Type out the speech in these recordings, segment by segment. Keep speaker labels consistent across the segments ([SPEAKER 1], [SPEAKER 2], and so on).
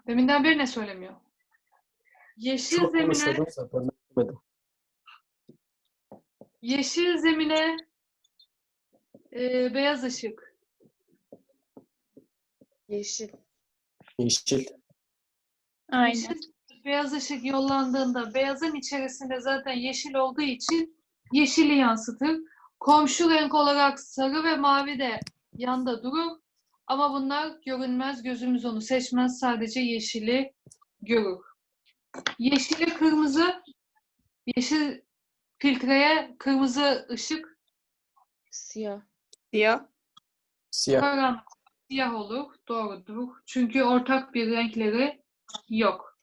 [SPEAKER 1] Deminden beri ne söylemiyor? Yeşil
[SPEAKER 2] Çok
[SPEAKER 1] zemine,
[SPEAKER 2] konuşuyordum zaten. Demedim.
[SPEAKER 1] yeşil zemine beyaz ışık.
[SPEAKER 3] Yeşil.
[SPEAKER 2] Yeşil.
[SPEAKER 4] Aynen.
[SPEAKER 1] Yeşil, beyaz ışık yollandığında beyazın içerisinde zaten yeşil olduğu için yeşili yansıtır. Komşu renk olarak sarı ve mavi de yanda durur. Ama bunlar görünmez, gözümüz onu seçmez, sadece yeşili görür. Yeşili kırmızı, yeşil filtreye kırmızı ışık,
[SPEAKER 3] Siyah.
[SPEAKER 4] Siyah.
[SPEAKER 2] Siyah.
[SPEAKER 1] karanlık, siyah olur. Doğrudur. Çünkü ortak bir renkleri yok.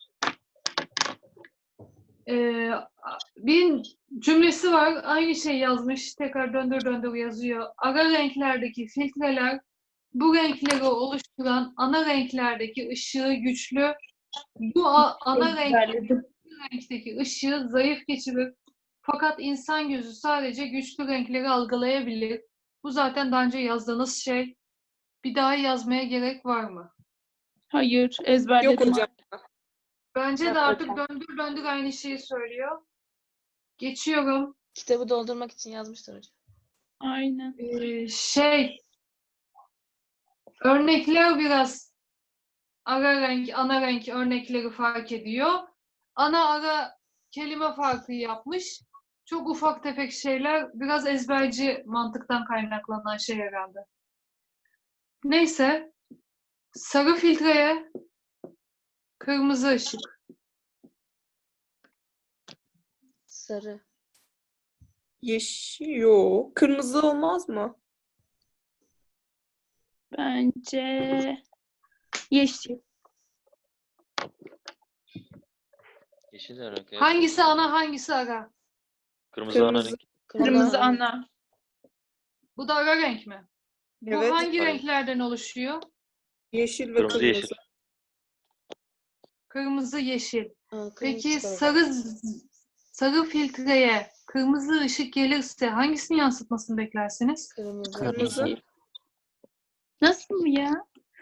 [SPEAKER 1] Bir cümlesi var. Aynı şey yazmış. Tekrar döndür döndür yazıyor. Ara renklerdeki filtreler bu renkleri oluşturan ana renklerdeki ışığı güçlü, bu ana renkteki ışığı zayıf geçirir. Fakat insan gözü sadece güçlü renkleri algılayabilir. Bu zaten daha önce yazdığınız şey. Bir daha yazmaya gerek var mı?
[SPEAKER 4] Hayır, ezberledim.
[SPEAKER 5] Yok hocam.
[SPEAKER 1] Bence
[SPEAKER 4] Yok
[SPEAKER 1] de artık
[SPEAKER 4] hocam.
[SPEAKER 1] döndür döndür aynı şeyi söylüyor. Geçiyorum.
[SPEAKER 3] Kitabı doldurmak için yazmışlar hocam.
[SPEAKER 4] Aynen.
[SPEAKER 1] Örnekler biraz ara renk, ana renk örnekleri fark ediyor. Ara kelime farkı yapmış. Çok ufak tefek şeyler, biraz ezberci mantıktan kaynaklanan şey herhalde. Neyse, sarı filtreye kırmızı ışık.
[SPEAKER 3] Sarı.
[SPEAKER 5] Yeşil yok. Kırmızı olmaz mı?
[SPEAKER 4] Bence yeşil.
[SPEAKER 6] Yeşil renk. Evet.
[SPEAKER 1] Hangisi ana, hangisi ara?
[SPEAKER 6] Kırmızı ana
[SPEAKER 5] Kırmızı.
[SPEAKER 6] renk.
[SPEAKER 4] Kırmızı ana.
[SPEAKER 1] Bu da ara renk mi? Bu
[SPEAKER 5] Evet.
[SPEAKER 1] hangi
[SPEAKER 6] Hayır.
[SPEAKER 1] renklerden oluşuyor?
[SPEAKER 5] Yeşil ve
[SPEAKER 6] Kırmızı,
[SPEAKER 5] kırmızı.
[SPEAKER 6] yeşil.
[SPEAKER 1] Kırmızı, yeşil.
[SPEAKER 3] Kırmızı
[SPEAKER 1] Peki
[SPEAKER 3] çıkar hocam.
[SPEAKER 1] sarı filtreye kırmızı ışık gelirse hangisini yansıtmasını beklersiniz?
[SPEAKER 3] Kırmızı.
[SPEAKER 5] Kırmızı.
[SPEAKER 4] Nasıl ya?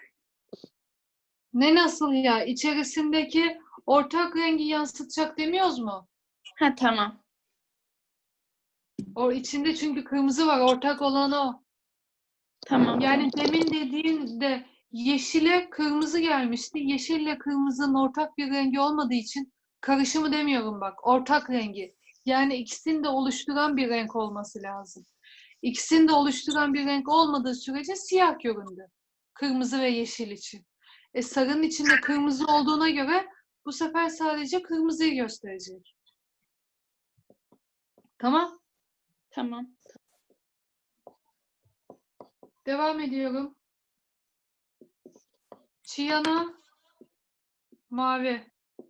[SPEAKER 1] Ne nasıl ya? İçerisindeki ortak rengi yansıtacak demiyoruz mu?
[SPEAKER 4] Ha tamam.
[SPEAKER 1] O içinde çünkü kırmızı var. Ortak olan o.
[SPEAKER 4] Tamam.
[SPEAKER 1] Yani demin dediğinde yeşile kırmızı gelmişti. Yeşille kırmızının ortak bir rengi olmadığı için karışımı demiyorum bak. Ortak rengi. Yani ikisini de oluşturan bir renk olması lazım. İkisini de oluşturan bir renk olmadığı sürece siyah göründü. Kırmızı ve yeşil için. Sarının içinde kırmızı olduğuna göre bu sefer sadece kırmızıyı gösterecek. Tamam.
[SPEAKER 4] Tamam.
[SPEAKER 1] Devam ediyorum. Çiyana mavi.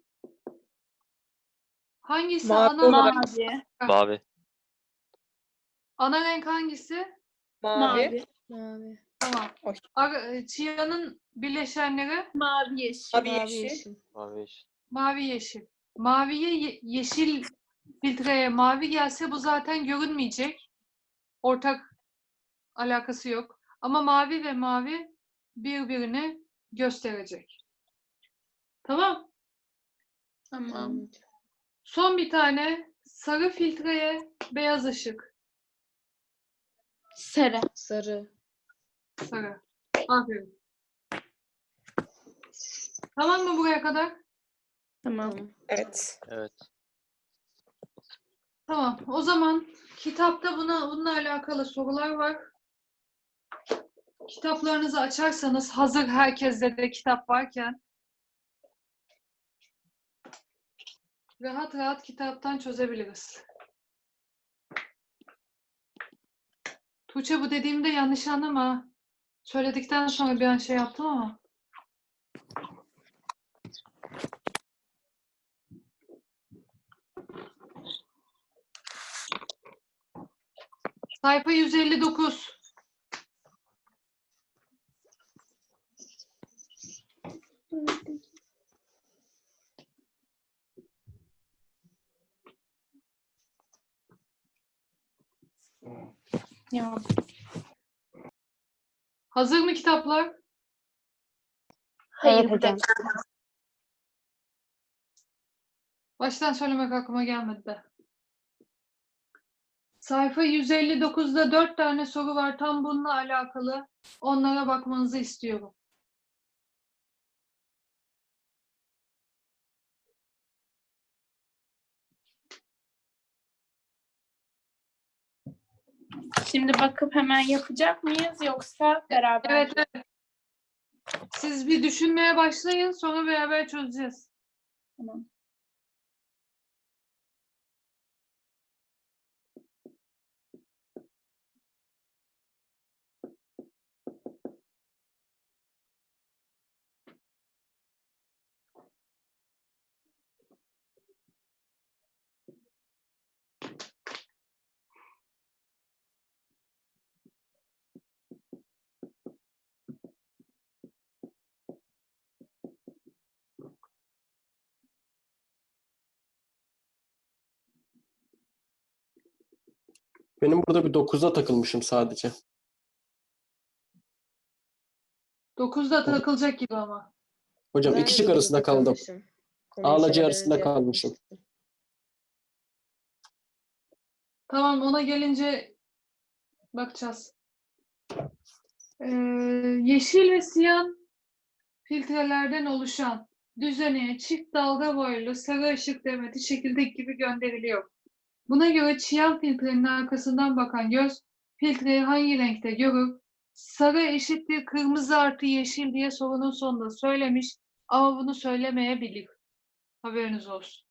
[SPEAKER 1] Hangisi
[SPEAKER 5] Mavi
[SPEAKER 1] ana
[SPEAKER 5] olarak.
[SPEAKER 1] renk?
[SPEAKER 4] Mavi.
[SPEAKER 6] Mavi.
[SPEAKER 1] Ana renk hangisi?
[SPEAKER 5] Mavi.
[SPEAKER 3] Mavi.
[SPEAKER 1] Tamam.
[SPEAKER 5] Oy.
[SPEAKER 1] Çiyanın bileşenleri
[SPEAKER 4] Mavi yeşil.
[SPEAKER 5] Mavi
[SPEAKER 3] Mavi
[SPEAKER 5] yeşil.
[SPEAKER 3] yeşil.
[SPEAKER 6] Mavi yeşil.
[SPEAKER 1] mavi yeşil. Maviye yeşil filtreye mavi gelse bu zaten görünmeyecek. Ortak alakası yok. Ama mavi ve mavi birbirini gösterecek. Tamam.
[SPEAKER 4] Tamam.
[SPEAKER 1] Son bir tane sarı filtreye beyaz ışık.
[SPEAKER 4] Sarı.
[SPEAKER 3] Sarı.
[SPEAKER 1] Sarı. Aferin. Tamam mı buraya kadar?
[SPEAKER 4] Tamam.
[SPEAKER 3] Tamam.
[SPEAKER 5] Evet.
[SPEAKER 6] Evet.
[SPEAKER 1] Tamam. O zaman kitapta bununla alakalı sorular var. Kitaplarınızı açarsanız hazır herkeste de kitap varken rahat rahat kitaptan çözebiliriz. Tuğçe bu dediğimde yanlış anlama. Söyledikten sonra bir an şey yaptım ama. Sayfa 159.
[SPEAKER 4] Ya.
[SPEAKER 1] Hazır mı kitaplar?
[SPEAKER 4] Hayır hocam.
[SPEAKER 1] Baştan söylemek aklıma gelmedi de. Sayfa 159'da 4 tane soru var. Tam bununla alakalı. Onlara bakmanızı istiyorum.
[SPEAKER 4] Şimdi bakıp hemen yapacak mıyız yoksa beraber
[SPEAKER 1] Evet,
[SPEAKER 4] mi?
[SPEAKER 1] evet. Siz bir düşünmeye başlayın. Sonra beraber çözeceğiz.
[SPEAKER 4] Tamam.
[SPEAKER 2] Benim burada bir 9'a takılmışım sadece.
[SPEAKER 1] 9'da takılacak gibi ama.
[SPEAKER 2] Hocam
[SPEAKER 3] Ben
[SPEAKER 2] iki
[SPEAKER 3] de
[SPEAKER 2] şık arasında
[SPEAKER 3] 9'da
[SPEAKER 2] kaldım.
[SPEAKER 3] kalmışım. Konuyu
[SPEAKER 2] Ağlacı
[SPEAKER 3] söylemeden
[SPEAKER 2] arasında
[SPEAKER 3] önce
[SPEAKER 2] kalmışım.
[SPEAKER 3] yapmıştım.
[SPEAKER 1] Tamam, ona gelince bakacağız. Yeşil ve siyah filtrelerden oluşan düzeneye çift dalga boylu sarı ışık demeti şekildeki gibi gönderiliyor. Buna göre çiyan filtrenin arkasından bakan göz filtreyi hangi renkte görür? Sarı eşittir kırmızı artı yeşil diye sorunun sonunda söylemiş ama bunu söylemeyebilir. Haberiniz olsun.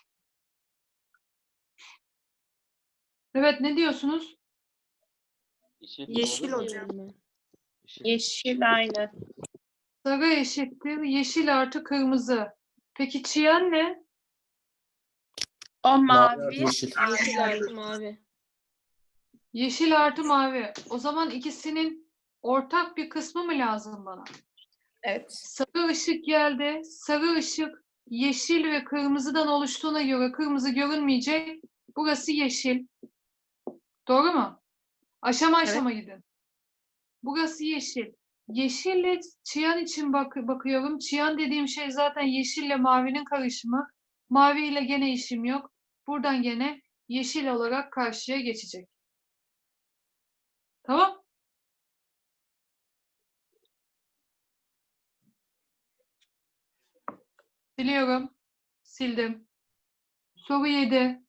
[SPEAKER 1] Evet, ne diyorsunuz?
[SPEAKER 5] Yeşil
[SPEAKER 6] olur mu?
[SPEAKER 5] hocam.
[SPEAKER 3] Diyorum ben.
[SPEAKER 4] Yeşil aynı.
[SPEAKER 1] Sarı eşittir yeşil artı kırmızı. Peki çiyan ne?
[SPEAKER 4] O
[SPEAKER 2] Mavi
[SPEAKER 4] mavi.
[SPEAKER 2] artı yeşil.
[SPEAKER 3] Yeşil artı mavi.
[SPEAKER 1] Yeşil artı mavi. O zaman ikisinin ortak bir kısmı mı lazım bana?
[SPEAKER 5] Evet.
[SPEAKER 1] Sarı ışık geldi. Sarı ışık yeşil ve kırmızıdan oluştuğuna göre kırmızı görünmeyecek. Burası yeşil. Doğru mu? Aşama aşama gidin. Burası yeşil. Yeşille çiyan için bakıyorum. Çiyan dediğim şey zaten yeşille mavinin karışımı. Maviyle gene işim yok. Buradan gene yeşil olarak karşıya geçecek. Tamam? Siliyorum. Sildim. Soru 7.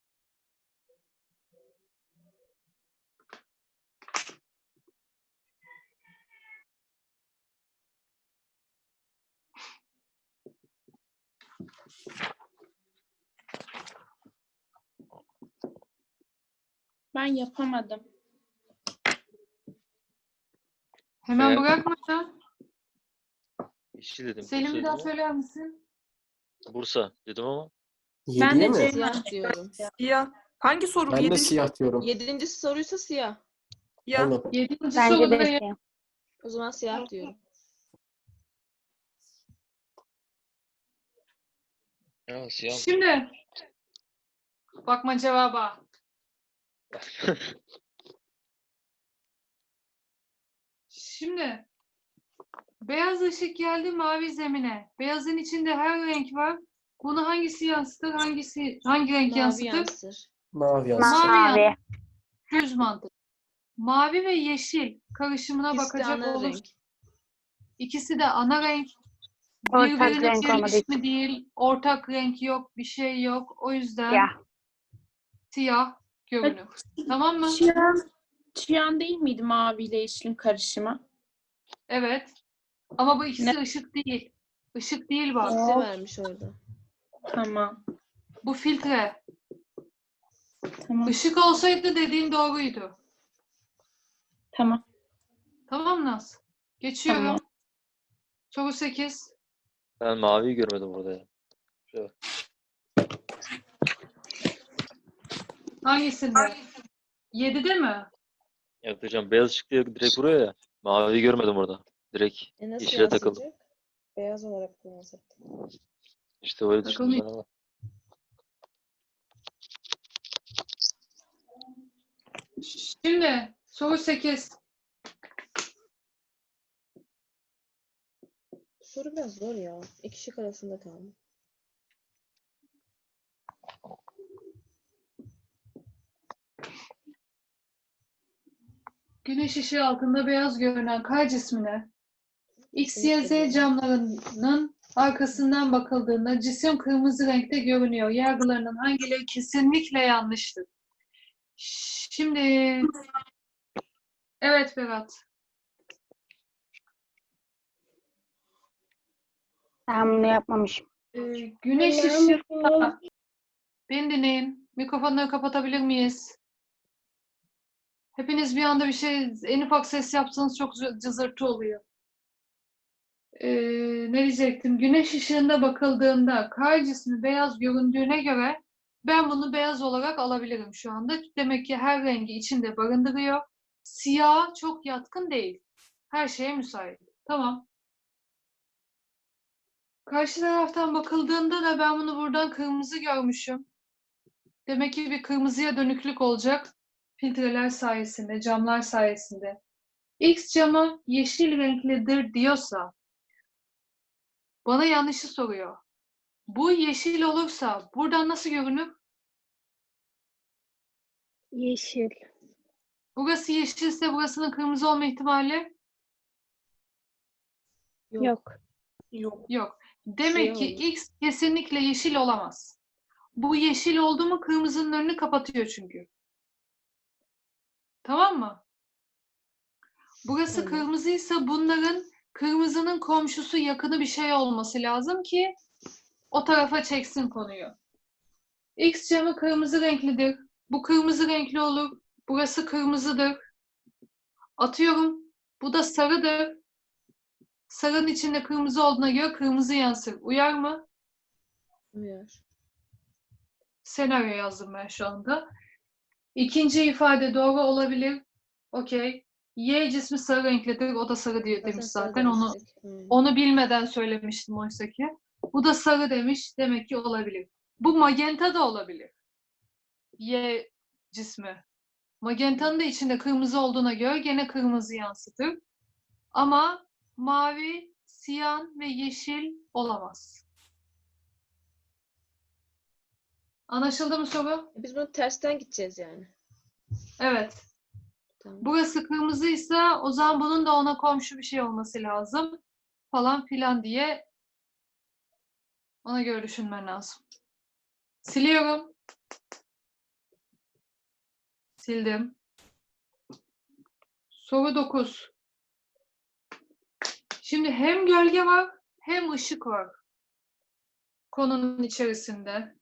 [SPEAKER 4] Ben yapamadım.
[SPEAKER 1] Hemen
[SPEAKER 6] Veya-
[SPEAKER 1] bırakma ya.
[SPEAKER 6] Yeşil dedim.
[SPEAKER 1] Selim,
[SPEAKER 6] Bursa
[SPEAKER 1] bir
[SPEAKER 6] dedim
[SPEAKER 1] daha
[SPEAKER 6] ama.
[SPEAKER 1] söyler misin?
[SPEAKER 6] Bursa dedim ama.
[SPEAKER 4] Ben
[SPEAKER 2] 7'ye
[SPEAKER 4] de
[SPEAKER 2] mi?
[SPEAKER 4] Ceyhan.
[SPEAKER 3] Siyah diyorum.
[SPEAKER 5] Siyah. Hangi soru bu?
[SPEAKER 2] Ben de
[SPEAKER 5] Yedinci
[SPEAKER 2] siyah diyorum.
[SPEAKER 3] 7. soruysa siyah.
[SPEAKER 5] siyah.
[SPEAKER 2] Aynen.
[SPEAKER 1] 7.
[SPEAKER 7] Bence de
[SPEAKER 1] sorudayım.
[SPEAKER 7] siyah.
[SPEAKER 3] O zaman siyah diyorum.
[SPEAKER 6] Ya siyah.
[SPEAKER 1] Şimdi bakma cevaba. Şimdi beyaz ışık geldi mavi zemine. Beyazın içinde her renk var. Bunu hangisi yansıtır? Hangi renk
[SPEAKER 3] Mavi
[SPEAKER 1] yansıtır?
[SPEAKER 3] yansır.
[SPEAKER 2] Mavi yansın.
[SPEAKER 1] Mavi
[SPEAKER 7] Mavi.
[SPEAKER 1] yansıtır. Düz mantık. Mavi ve yeşil karışımına
[SPEAKER 3] İkisi de
[SPEAKER 1] bakacak
[SPEAKER 3] ana
[SPEAKER 1] olursak
[SPEAKER 3] renk.
[SPEAKER 1] ikisi de ana renk.
[SPEAKER 7] Ortak
[SPEAKER 1] Birbirine
[SPEAKER 7] renk olmadığı için.
[SPEAKER 1] birleşimi değil. Ortak renk yok. Bir şey yok. O yüzden
[SPEAKER 7] Siyah.
[SPEAKER 1] siyah görünür. Tamam mı?
[SPEAKER 4] Çiyan değil miydi mavi ile yeşilin karışımı?
[SPEAKER 1] Evet. Ama bu ikisi ışık değil. Işık değil bak.
[SPEAKER 3] Filtre vermiş orada.
[SPEAKER 4] Tamam.
[SPEAKER 1] Bu filtre.
[SPEAKER 4] Tamam.
[SPEAKER 1] Işık olsaydı dediğin doğruydu.
[SPEAKER 4] Tamam.
[SPEAKER 1] Tamam Naz? Geçiyorum.
[SPEAKER 4] Tamam.
[SPEAKER 1] Soru 8.
[SPEAKER 6] Ben maviyi görmedim burada ya.
[SPEAKER 1] Hangisinde? 7'de mi?
[SPEAKER 6] Evet hocam beyaz ışık diye direkt vuruyor ya. Maviyi görmedim orada. Direkt
[SPEAKER 3] Nasıl
[SPEAKER 6] yeşile takıldım.
[SPEAKER 3] yansıyacak? Beyaz olarak da yansıttı.
[SPEAKER 6] İşte öyle düşündüm ben
[SPEAKER 1] Takılmayayım.
[SPEAKER 6] ama.
[SPEAKER 1] Şimdi soru 8.
[SPEAKER 3] Soru biraz zor ya. İki şık arasında kaldım.
[SPEAKER 1] güneş ışığı altında beyaz görünen kar cismine X, Y, Z camlarının arkasından bakıldığında cisim kırmızı renkte görünüyor. Yargılarının hangileri kesinlikle yanlıştır? Şimdi evet Berat.
[SPEAKER 7] Ben bunu yapmamışım.
[SPEAKER 1] Güneş ışığında beni dinleyin. Mikrofonları kapatabilir miyiz? Hepiniz bir anda bir şey en ufak ses yapsanız çok cızırtı oluyor. Ne diyecektim? Güneş ışığında bakıldığında kar cismi beyaz göründüğüne göre ben bunu beyaz olarak alabilirim şu anda. Demek ki her rengi içinde barındırıyor. Siyah çok yatkın değil. Her şeye müsait. Tamam. Karşı taraftan bakıldığında da ben bunu buradan kırmızı görmüşüm. Demek ki bir kırmızıya dönüklük olacak. Filtreler sayesinde, camlar sayesinde. X camı yeşil renklidir diyorsa bana yanlışı soruyor. Bu yeşil olursa buradan nasıl görünür?
[SPEAKER 7] Yeşil.
[SPEAKER 1] Burası yeşilse burasının kırmızı olma ihtimali
[SPEAKER 7] Yok.
[SPEAKER 5] Yok.
[SPEAKER 1] yok. Demek ki
[SPEAKER 3] Siyah olur.
[SPEAKER 1] X kesinlikle yeşil olamaz. Bu yeşil oldu mu kırmızının önünü kapatıyor çünkü. Tamam mı? Burası
[SPEAKER 3] Tamam.
[SPEAKER 1] kırmızıysa bunların kırmızının komşusu yakını bir şey olması lazım ki o tarafa çeksin konuyu. X camı kırmızı renklidir. Bu kırmızı renkli olur. Burası kırmızıdır. Atıyorum. Bu da sarıdır. Sarının içinde kırmızı olduğuna göre kırmızı yansır. Uyar mı?
[SPEAKER 3] Uyar.
[SPEAKER 1] Senaryo yazdım ben şu anda. İkinci ifade doğru olabilir. Okey. Y cismi sarı renklidir. O da sarı diye demiş zaten. Onu bilmeden söylemiştim oysa ki. Bu da sarı demiş. Demek ki olabilir. Bu magenta da olabilir. Y cismi. Magenta'nın da içinde kırmızı olduğuna göre gene kırmızı yansıtır. Ama mavi, siyah ve yeşil olamaz. Anlaşıldı mı soru?
[SPEAKER 3] Biz bunu tersten gideceğiz yani.
[SPEAKER 1] Evet.
[SPEAKER 3] Tamam.
[SPEAKER 1] Burası kırmızıysa o zaman bunun da ona komşu bir şey olması lazım. Falan filan diye ona göre düşünmen lazım. Siliyorum. Sildim. Soru 9. Şimdi hem gölge var hem ışık var konunun içerisinde.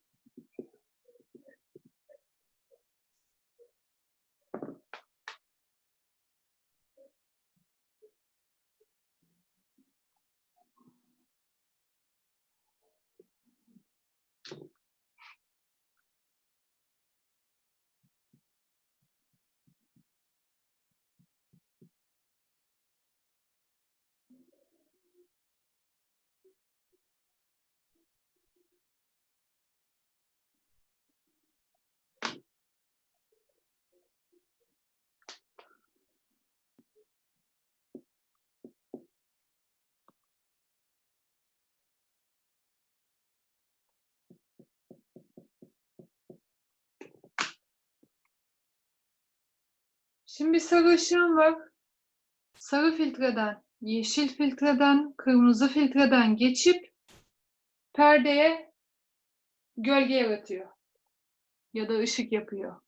[SPEAKER 1] Şimdi bir sarı ışığım var. Sarı filtreden, yeşil filtreden, kırmızı filtreden geçip perdeye gölge yaratıyor. Ya da ışık yapıyor.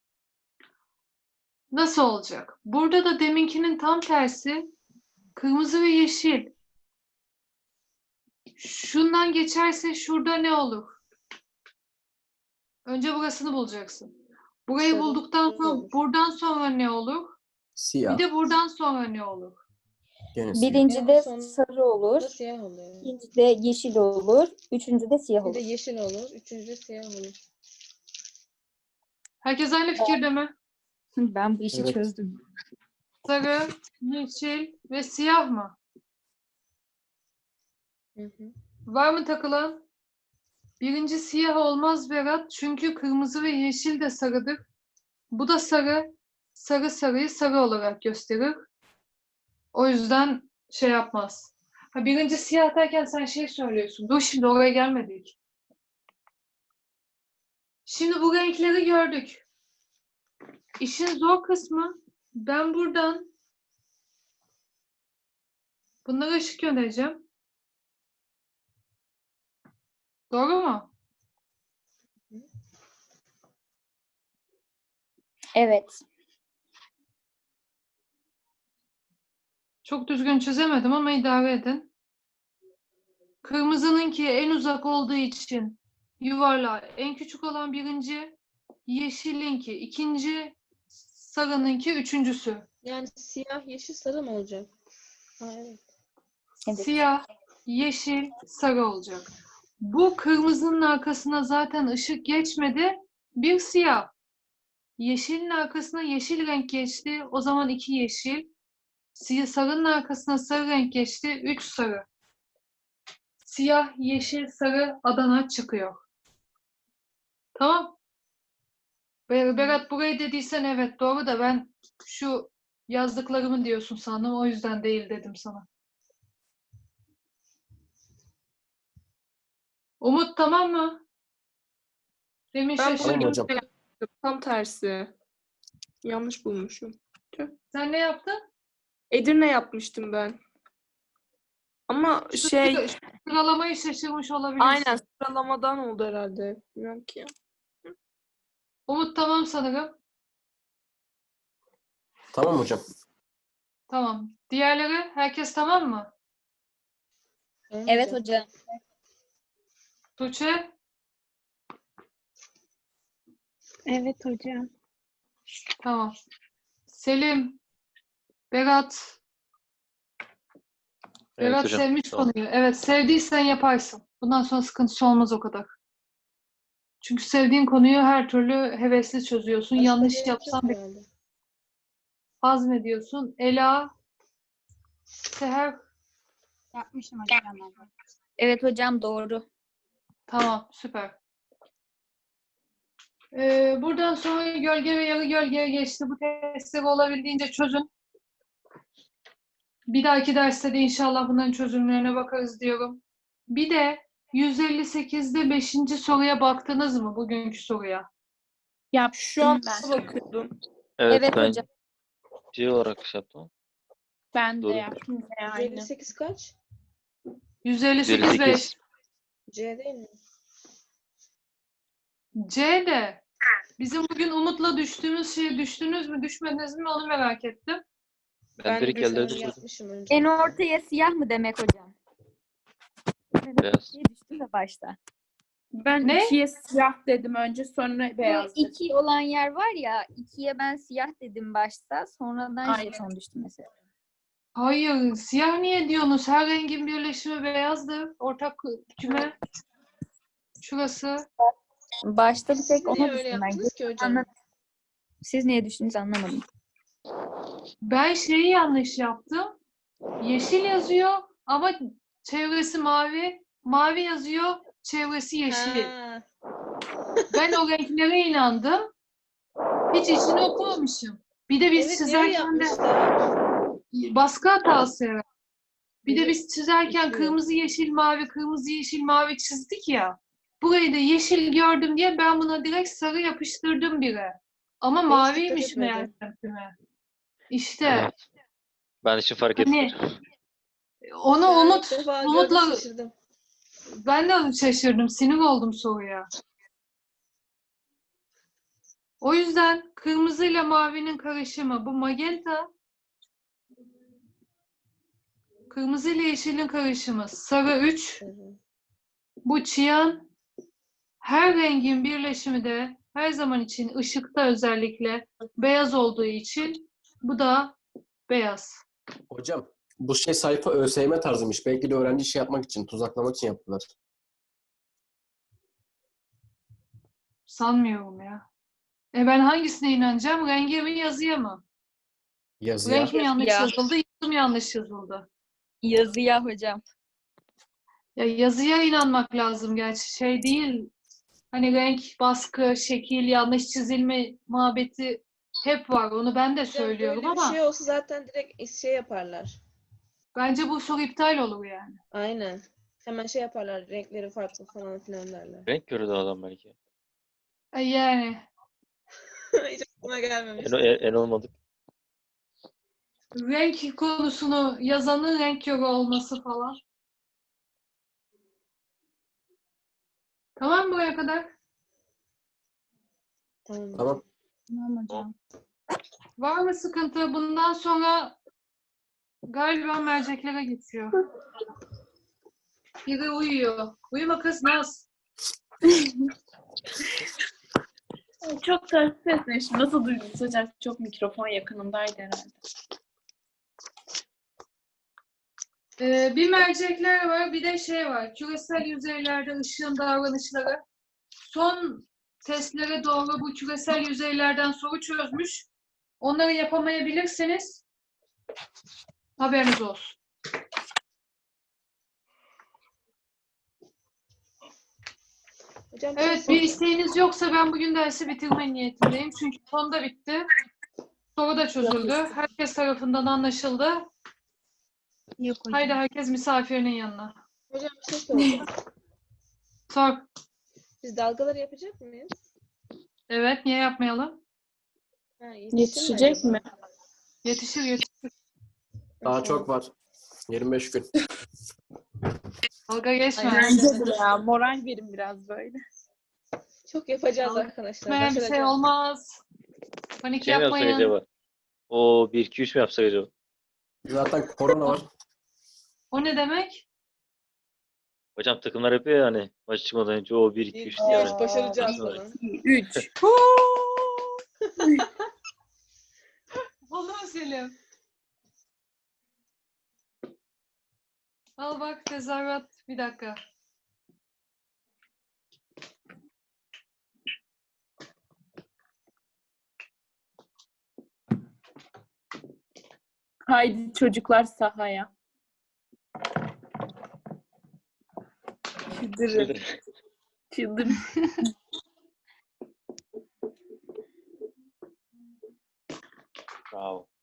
[SPEAKER 1] Nasıl olacak? Burada da deminkinin tam tersi kırmızı ve yeşil. Şundan geçerse şurada ne olur? Önce burasını bulacaksın. Burayı
[SPEAKER 3] Sarı
[SPEAKER 1] bulduktan sonra
[SPEAKER 3] olur.
[SPEAKER 1] buradan sonra ne olur?
[SPEAKER 2] Siyah.
[SPEAKER 1] Bir de buradan sonra ne olur?
[SPEAKER 2] Gene siyah.
[SPEAKER 7] Birincide
[SPEAKER 3] Sonra
[SPEAKER 7] sarı olur.
[SPEAKER 3] da siyah oluyor.
[SPEAKER 7] İkincide yeşil olur. Üçüncüde siyah
[SPEAKER 3] Bir de
[SPEAKER 7] olur.
[SPEAKER 3] yeşil olur. Üçüncüde siyah olur.
[SPEAKER 1] Herkes aynı fikirde mi?
[SPEAKER 7] Ben bu işi
[SPEAKER 2] Evet.
[SPEAKER 7] çözdüm.
[SPEAKER 1] Sarı, yeşil ve siyah mı?
[SPEAKER 3] Hı hı.
[SPEAKER 1] Var mı takılan? Birinci siyah olmaz Berat. Çünkü kırmızı ve yeşil de sarıdır. Bu da sarı. Sarı sarıyı sarı olarak gösterir. O yüzden şey yapmaz. Ha, birinci siyah derken sen şey söylüyorsun. Dur şimdi oraya gelmedik. Şimdi bu renkleri gördük. İşin zor kısmı ben buradan Bunlara ışık göndereceğim. Doğru mu?
[SPEAKER 7] Evet.
[SPEAKER 1] Çok düzgün çizemedim ama idare edin. Kırmızınınki en uzak olduğu için yuvarlağı en küçük olan birinci, yeşilinki ikinci, sarınınki üçüncüsü.
[SPEAKER 3] Yani siyah, yeşil, sarı mı olacak? Ha, evet.
[SPEAKER 7] Evet.
[SPEAKER 1] Siyah, yeşil, sarı olacak. Bu kırmızının arkasına zaten ışık geçmedi. Bir siyah. Yeşilin arkasına yeşil renk geçti. O zaman 2 yeşil. Sarının arkasına sarı renk geçti. 3 sarı. Siyah, yeşil, sarı Adana çıkıyor. Tamam. Berat burayı dediysen evet doğru da ben şu yazdıklarımı diyorsun sandım. O yüzden değil dedim sana. Umut tamam mı? Demin
[SPEAKER 5] Ben
[SPEAKER 1] şaşırdım.
[SPEAKER 2] Tamam hocam.
[SPEAKER 5] Tam tersi. Yanlış bulmuşum.
[SPEAKER 1] Sen ne yaptın?
[SPEAKER 5] Edirne yapmıştım ben. Ama şey,
[SPEAKER 1] Sıralamayı şaşırmış olabilirsin.
[SPEAKER 5] aynen sıralamadan oldu herhalde. Bilmiyorum ki.
[SPEAKER 1] Umut tamam sanırım.
[SPEAKER 2] Tamam hocam.
[SPEAKER 1] Tamam. Diğerleri herkes tamam mı?
[SPEAKER 3] Tamam
[SPEAKER 7] Evet
[SPEAKER 3] hocam.
[SPEAKER 7] hocam.
[SPEAKER 1] Tuğçe?
[SPEAKER 7] Evet hocam.
[SPEAKER 1] Tamam. Selim? Berat?
[SPEAKER 6] Evet
[SPEAKER 1] Berat
[SPEAKER 6] hocam.
[SPEAKER 1] sevmiş
[SPEAKER 6] Tamam.
[SPEAKER 1] konuyu. Evet sevdiysen yaparsın. Bundan sonra sıkıntısı olmaz o kadar. Çünkü sevdiğin konuyu her türlü hevesli çözüyorsun.
[SPEAKER 3] Başka
[SPEAKER 1] Yanlış
[SPEAKER 3] gerek
[SPEAKER 1] yapsan
[SPEAKER 3] yok
[SPEAKER 1] bir
[SPEAKER 3] herhalde.
[SPEAKER 1] hazmediyorsun. Ela? Seher?
[SPEAKER 7] Yapmışım hocam. Evet hocam doğru.
[SPEAKER 1] Tamam süper. Buradan sonra gölge ve yarı gölgeye geçti. Bu testleri olabildiğince çözün. Bir dahaki derste de inşallah bunların çözümlerine bakarız diyorum. Bir de 158'de 5. soruya baktınız mı? Bugünkü soruya.
[SPEAKER 5] Şu an
[SPEAKER 4] Ben.
[SPEAKER 5] bakıyordum.
[SPEAKER 6] Evet,
[SPEAKER 7] Evet
[SPEAKER 6] ben
[SPEAKER 7] hocam.
[SPEAKER 6] C olarak şey yaptım.
[SPEAKER 4] Ben de
[SPEAKER 6] Doğrudur.
[SPEAKER 4] yaptım ve aynı.
[SPEAKER 3] 158 kaç?
[SPEAKER 1] 158 5.
[SPEAKER 6] 158.
[SPEAKER 3] C değil mi?
[SPEAKER 1] C de bizim bugün Umut'la düştüğümüz şeye düştünüz mü düşmediniz mi onu merak ettim.
[SPEAKER 6] Ben direkt elde
[SPEAKER 3] Sanırım
[SPEAKER 6] düşürdüm.
[SPEAKER 3] yapmışım önce.
[SPEAKER 7] En ortaya siyah mı demek hocam?
[SPEAKER 6] Beyaz.
[SPEAKER 7] İkiye düştüm de başta.
[SPEAKER 4] Ben
[SPEAKER 1] Ne?
[SPEAKER 4] 2'ye siyah dedim önce sonra
[SPEAKER 7] Bu
[SPEAKER 4] beyaz dedim.
[SPEAKER 7] 2 olan yer var ya, 2'ye ben siyah dedim başta. Sonradan
[SPEAKER 4] Aynen.
[SPEAKER 7] jeton düştü mesela.
[SPEAKER 1] Hayır, siyah niye diyorsunuz? Her rengin birleşimi beyazdır. Ortak küme. Şurası.
[SPEAKER 7] Başta bir tek
[SPEAKER 3] Siz niye
[SPEAKER 7] ona
[SPEAKER 3] öyle
[SPEAKER 7] düştüm ben.
[SPEAKER 3] yaptınız ki hocam?
[SPEAKER 7] Anladım. Siz niye düştünüz anlamadım.
[SPEAKER 1] Ben şeyi yanlış yaptım. Yeşil yazıyor ama çevresi mavi. Mavi yazıyor, çevresi yeşil.
[SPEAKER 3] Ha,
[SPEAKER 1] Ben o renklere inandım. Hiç içini okumamışım. Bir de biz
[SPEAKER 3] evet niye
[SPEAKER 1] çizerken de
[SPEAKER 3] yapmışlar?
[SPEAKER 1] baskı hatası herhalde. Bir de
[SPEAKER 3] Biri
[SPEAKER 1] biz çizerken
[SPEAKER 3] itiyor.
[SPEAKER 1] kırmızı yeşil mavi kırmızı yeşil mavi çizdik ya. Burayı da yeşil gördüm diye ben buna direkt sarı yapıştırdım bire. Ama
[SPEAKER 3] hiç
[SPEAKER 1] maviymiş
[SPEAKER 3] dikkat etmedim.
[SPEAKER 1] meğersem küme. İşte
[SPEAKER 6] Evet. Ben hiç fark
[SPEAKER 1] hani
[SPEAKER 6] etmedim.
[SPEAKER 1] onu
[SPEAKER 3] Ben
[SPEAKER 1] Umut,
[SPEAKER 3] ilk defa gördüm,
[SPEAKER 1] Umut'la
[SPEAKER 3] şaşırdım.
[SPEAKER 1] ben de şaşırdım. Sinir oldum soruya. O yüzden kırmızıyla mavinin karışımı bu magenta. Kırmızı ile yeşilin karışımı sarı 3.
[SPEAKER 3] Evet.
[SPEAKER 1] Bu çiyan. Her rengin birleşimi de her zaman için ışıkta özellikle beyaz olduğu için bu da beyaz.
[SPEAKER 2] Hocam bu şey sayfa ÖSYM tarzıymış. Belki de öğrenci şey yapmak için, tuzaklamak için yaptılar.
[SPEAKER 1] Sanmıyorum ya. Ben hangisine inanacağım? Renge mi yazıya mı?
[SPEAKER 2] Yazıya.
[SPEAKER 1] Renk mi yanlış
[SPEAKER 7] Yazıya.
[SPEAKER 1] yazıldı, yazı mı yanlış yazıldı?
[SPEAKER 7] Yazıya hocam.
[SPEAKER 1] Ya yazıya inanmak lazım gerçi. Şey değil. Hani renk, baskı, şekil, yanlış çizilme muhabbeti hep var. Onu ben de
[SPEAKER 3] Hocam
[SPEAKER 1] söylüyorum
[SPEAKER 3] böyle bir
[SPEAKER 1] ama
[SPEAKER 3] şey olsa zaten direkt şey yaparlar.
[SPEAKER 1] bence bu soru iptal olur yani.
[SPEAKER 3] Aynen. Hemen şey yaparlar. Renkleri farklı falan filan derler.
[SPEAKER 6] Renk gördü adam belki.
[SPEAKER 1] Yani
[SPEAKER 3] Hiç aklıma gelmemiş.
[SPEAKER 6] En olmadık.
[SPEAKER 1] renk konusunu yazanın renk körü olması falan. Tamam mı buraya kadar?
[SPEAKER 3] Tamam.
[SPEAKER 2] Tamam.
[SPEAKER 7] Tamam hocam.
[SPEAKER 1] Var mı sıkıntı? Bundan sonra galiba merceklere geçiyor. Biri uyuyor. Uyuma kız Naz.
[SPEAKER 4] Çok ters sesleşti. Nasıl duydunuz hocam? Çok mikrofon yakınındaydı herhalde.
[SPEAKER 1] Bir mercekler var, bir de şey var. Küresel yüzeylerde ışığın davranışları. Son testlere doğru bu küresel yüzeylerden soru çözmüş. Onları yapamayabilirsiniz. Haberiniz olsun.
[SPEAKER 3] Hocam
[SPEAKER 1] Evet, bir isteğiniz yoksa ben bugün dersi bitirme niyetindeyim. Çünkü son da bitti. Soru da çözüldü. Herkes tarafından anlaşıldı.
[SPEAKER 7] Yok hocam.
[SPEAKER 1] Haydi herkes misafirinin yanına.
[SPEAKER 3] Hocam bir şey soracağım.
[SPEAKER 1] Sor.
[SPEAKER 3] Biz dalgaları yapacak mıyız?
[SPEAKER 1] Evet, niye yapmayalım?
[SPEAKER 3] Ha,
[SPEAKER 5] Yetişecek
[SPEAKER 3] acaba?
[SPEAKER 5] mi?
[SPEAKER 1] Yetişir, yetişir.
[SPEAKER 2] Daha çok var. 25 gün.
[SPEAKER 1] Dalga geçme.
[SPEAKER 3] Aynen.
[SPEAKER 4] Bence de ya. Moral verin biraz böyle.
[SPEAKER 3] Çok yapacağız
[SPEAKER 1] Dalga
[SPEAKER 3] arkadaşlar.
[SPEAKER 1] Yapmayan bir şey
[SPEAKER 3] Başaracağız.
[SPEAKER 1] olmaz. Panik
[SPEAKER 6] Şey mi yapsak
[SPEAKER 1] yapmayın.
[SPEAKER 6] acaba? O 1-2-3 mi yapsak acaba?
[SPEAKER 2] Zaten korona var.
[SPEAKER 1] O ne demek?
[SPEAKER 6] Hocam takımlar yapıyor ya hani maç çıkmadan önce o 1-2-3 diye.
[SPEAKER 3] Evet,
[SPEAKER 6] Yani.
[SPEAKER 3] başaracağız
[SPEAKER 6] Nasıl
[SPEAKER 3] falan.
[SPEAKER 4] 3.
[SPEAKER 1] Olur mu Selim? Al bak tezahürat. Bir dakika.
[SPEAKER 4] Haydi çocuklar sahaya. Çıldırın. Çıldırın.
[SPEAKER 6] Bravo.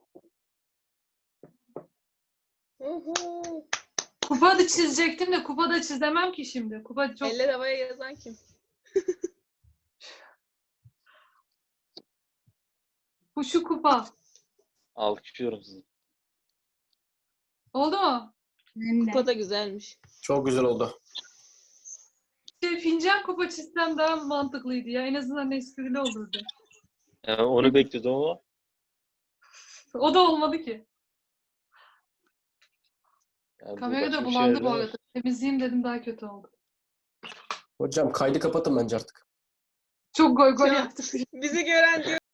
[SPEAKER 3] Uhu.
[SPEAKER 1] Kupa da çizecektim de kupa da çizemem ki şimdi. Kupa çok...
[SPEAKER 3] Eller havaya yazan kim?
[SPEAKER 1] Bu şu kupa.
[SPEAKER 6] Alkışlıyorum sizi.
[SPEAKER 1] Oldu mu?
[SPEAKER 7] Ben de.
[SPEAKER 3] Kupa da güzelmiş.
[SPEAKER 2] Çok güzel oldu.
[SPEAKER 1] Fincan kupa çizsem daha mantıklıydı ya. En azından esprili olurdu.
[SPEAKER 6] Yani onu bekliyordum ama
[SPEAKER 1] O da olmadı ki.
[SPEAKER 6] yani bu
[SPEAKER 1] Kamera
[SPEAKER 6] başka
[SPEAKER 1] da
[SPEAKER 6] bir şey
[SPEAKER 1] bulandı bu
[SPEAKER 6] değil mi?
[SPEAKER 1] arada. Temizleyeyim dedim daha kötü oldu.
[SPEAKER 2] Hocam kaydı kapatın bence artık.
[SPEAKER 1] Çok goy goy
[SPEAKER 3] Ya.
[SPEAKER 1] yaptık.
[SPEAKER 3] Bizi gören diyor